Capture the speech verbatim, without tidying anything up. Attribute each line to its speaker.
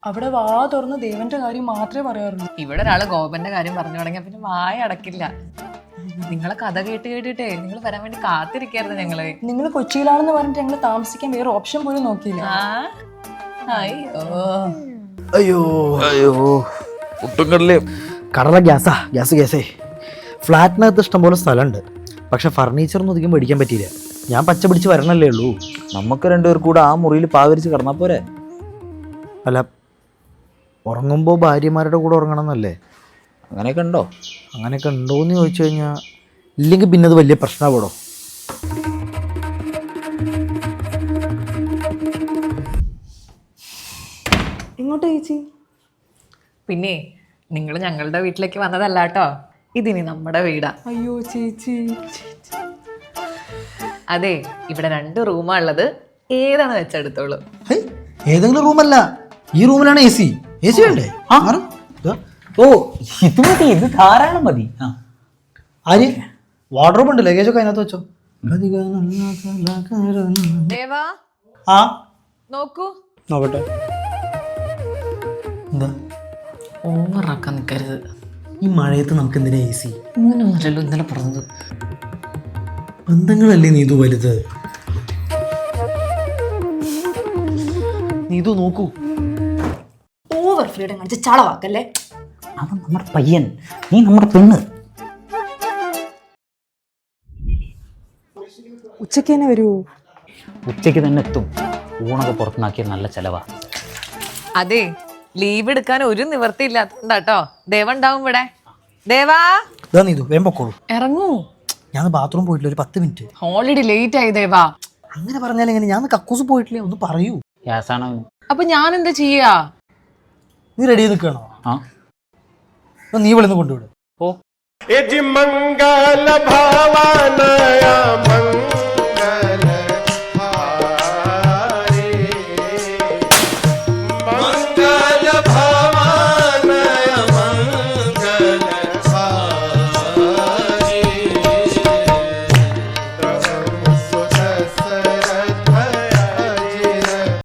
Speaker 1: അവിടെ വാ തുറന്ന് ദേവന്റെ കാര്യം മാത്രമേ പറയാറുള്ളൂ.
Speaker 2: ഇവിടെ ഒരാള് ഗോപന്റെ കാര്യം പറഞ്ഞു തുടങ്ങിയ പിന്നെ വായ അടക്കില്ല. നിങ്ങളെ കഥ കേട്ട് കേട്ടിട്ടേ നിങ്ങൾ വരാൻ വേണ്ടി കാത്തിരിക്കായിരുന്നു ഞങ്ങള്.
Speaker 1: നിങ്ങൾ കൊച്ചിയിലാണെന്ന് പറഞ്ഞിട്ട് ഞങ്ങൾ താമസിക്കാൻ വേറെ ഓപ്ഷൻ പോലും നോക്കിയില്ല.
Speaker 2: അയ്യോ
Speaker 3: അയ്യോ അയ്യോ ഒട്ടും കടലേ കടല ഗ്യാസാ ഗ്യാസ് ഗ്യാസേ. ഫ്ലാറ്റിനകത്ത് ഇഷ്ടംപോലെ സ്ഥലമുണ്ട്, പക്ഷെ ഫർണിച്ചറൊന്നും അധികം മേടിക്കാൻ പറ്റിയില്ല. ഞാൻ പച്ച പിടിച്ച് വരണല്ലേ ഉള്ളൂ. നമുക്ക് രണ്ടുപേർ കൂടെ ആ മുറിയിൽ പാവരിച്ച് കിടന്നാൽ പോരെ? അല്ല, ഉറങ്ങുമ്പോൾ ഭാര്യമാരുടെ കൂടെ ഉറങ്ങണം എന്നല്ലേ? അങ്ങനെയൊക്കെ ഉണ്ടോ? അങ്ങനെയൊക്കെ ഉണ്ടോയെന്ന് ചോദിച്ചു കഴിഞ്ഞാൽ ഇല്ലെങ്കിൽ പിന്നെ അത് വലിയ പ്രശ്നമാവടോ.
Speaker 1: എങ്ങോട്ടാ ചേച്ചി?
Speaker 2: പിന്നെ നിങ്ങൾ ഞങ്ങളുടെ വീട്ടിലേക്ക് വന്നതല്ല കേട്ടോ, ഇതിനി നമ്മുടെ വീടാ.
Speaker 1: അയ്യോ ചേച്ചി.
Speaker 2: അതെ, ഇവിടെ രണ്ട് റൂമാ ഉള്ളത്, ഏതാണ് വെച്ചെടുത്തോളൂ.
Speaker 3: ഏതെങ്കിലും റൂമല്ല, ഈ റൂമിലാണ് എ സി. എ സി വേണ്ടേ? ഓ ഇത് മതി, ഇത് ധാരാളം മതി. ആര് വാർഡ്രോബ് ഉണ്ട്, ലഗേജൊക്കെ അതിനകത്ത് വെച്ചോ.
Speaker 2: ദേവാ
Speaker 3: ആ
Speaker 2: നോക്കൂ.
Speaker 3: നോക്കട്ടെ. എന്താ
Speaker 2: ഓവറാക്കാൻ നിൽക്കരുത്.
Speaker 3: ഈ മഴയത്ത് നമുക്ക് എന്തിനാ എ സി?
Speaker 2: ഇങ്ങനെ ഒന്നല്ലോ ഇന്നലെ പറഞ്ഞത്.
Speaker 3: ബന്ധങ്ങളല്ലേ നീതു വലുത്. നീതു നോക്കൂ.
Speaker 1: ഓവർ ഫ്രീഡം കാണിച്ച് ചളവാക്കല്ലേ.
Speaker 3: അവൻ നമ്മുടെ പയ്യൻ, നീ നമ്മുടെ പെണ്ണ്.
Speaker 1: ഉച്ചക്ക് തന്നെ വരുമോ?
Speaker 4: ഉച്ചയ്ക്ക് തന്നെ എത്തും. ഊണൊക്കെ പുറത്തുനിന്നാക്കിയ നല്ല ചെലവാ.
Speaker 2: അതെ, ലീവ് എടുക്കാൻ ഒരു നിവൃത്തി ഇല്ലാത്തതുകൊണ്ടാട്ടോ. ദേവ ഉണ്ടാവും ഇവിടെ. ദേവാ
Speaker 3: ഇതാ നീതു, വേഗം പൊക്കോളൂ.
Speaker 2: ഇറങ്ങൂ.
Speaker 3: ഞാൻ ബാത്റൂം പോയിട്ടില്ല, ഒരു പത്ത് മിനിറ്റ്.
Speaker 2: ഓൾറെഡി ലേറ്റ് ആയി ദേവാ.
Speaker 3: അങ്ങനെ പറഞ്ഞാൽ എങ്ങനെ? ഞാൻ കക്കൂസ് പോയിട്ടില്ലേ, ഒന്ന് പറയൂ.
Speaker 4: ഗ്യാസാണോ?
Speaker 2: അപ്പൊ ഞാൻ എന്താ ചെയ്യാ?
Speaker 3: നീ റെഡി നിൽക്കണോ?
Speaker 4: ആ,
Speaker 3: നീ വിളിന്ന് കൊണ്ടുവിടും.
Speaker 4: ഓ
Speaker 5: मंगल भावनया